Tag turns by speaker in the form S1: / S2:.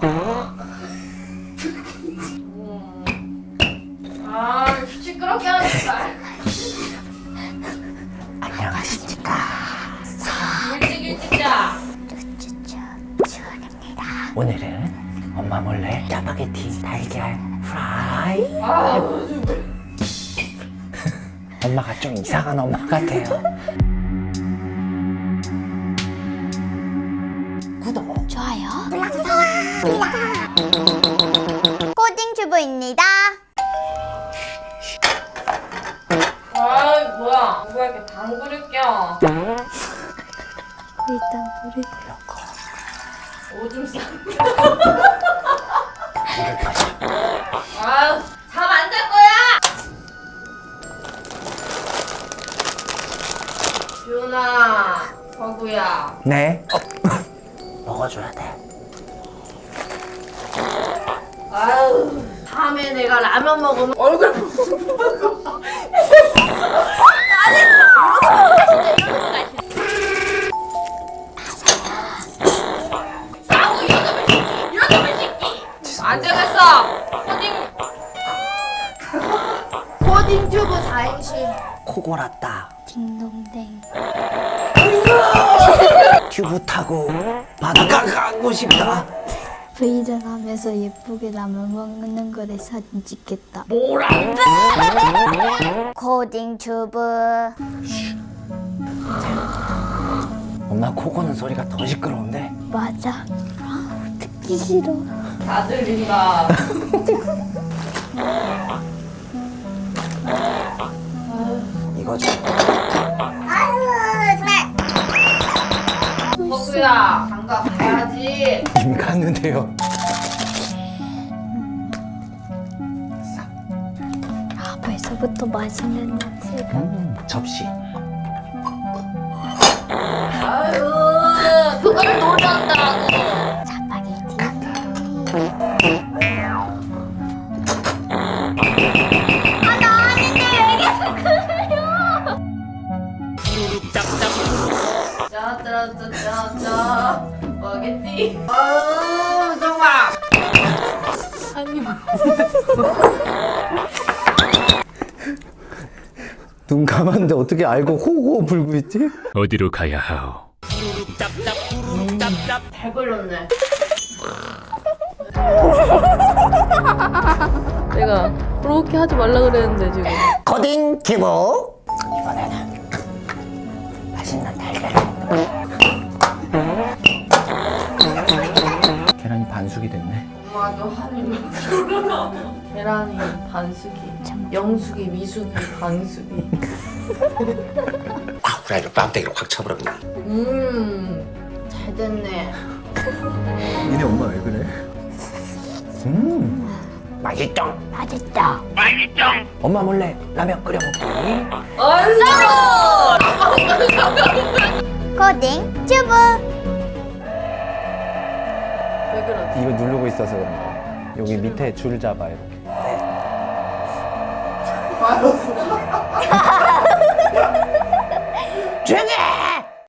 S1: 시끄럽게 하지 말.
S2: 안녕하십니까.
S1: 일찍 자.
S2: 주원입니다. 오늘은 엄마 몰래 짜파게티 달걀 프라이. 엄마가 좀 이상한 엄마 같아요. 구독,
S3: 좋아요. 코딩 주부입니다.
S1: 아 뭐야? 누가 이렇게 방구를 껴?
S3: 일단 불을 끄고
S1: 오줌 싸. 아유, 잠 안 잘 거야. 준아, 버구야.
S2: 네. 먹어줘야 돼.
S1: 아유, 다음에 내가 라면 먹으면 얼굴 보고. 안 되겠어. 코딩 튜브 4행시.
S2: 코 골았다.
S3: 딩동댕.
S2: 튜브 타고 바닷가 가고 싶다.
S3: 브이전 하면서 예쁘게 라면 먹는 거를 사진 찍겠다.
S1: 뭐라?
S3: 코딩 주부.
S2: 엄마 코 고는 소리가 더 시끄러운데?
S3: 맞아. 듣기 싫어.
S1: 다 들린다.
S2: 이거죠.
S1: 버구야, 장가 가야지.
S2: 이미 갔는데요.
S3: 아, 벌써부터 맛있는 냄새가.
S2: 접시.
S1: 아유, 그걸 노렸다고.
S3: 짜파게티.
S1: 짜짜짜짜짜 스파게티. 아유 정말.
S2: 눈 감았는데 어떻게 알고 호호 불고 있지?
S4: 어디로 가야 하오?
S1: 잘 걸렸네.
S5: 내가 그렇게 하지 말라 그랬는데 지금.
S2: 코딩 튜브. 이번에는 맛있는 달걀을 먹는 거야. 계란이 반숙이 됐네.
S1: 엄마도 한입. 계란이 반숙이, 영숙이, 미숙이, 반숙이.
S6: 아, 그래, 뺨때기로 확 쳐버렸네.
S1: 잘 됐네.
S2: 니네 엄마 왜 그래? 맛있죠?
S3: 맛있다.
S2: 엄마 몰래 라면 끓여 먹기.
S3: 코딩 주부.
S1: 왜 그러지?
S7: 이거 누르고 있어서 그런 거야. 여기 밑에 줄 잡아 이렇게.
S2: 조용히 해!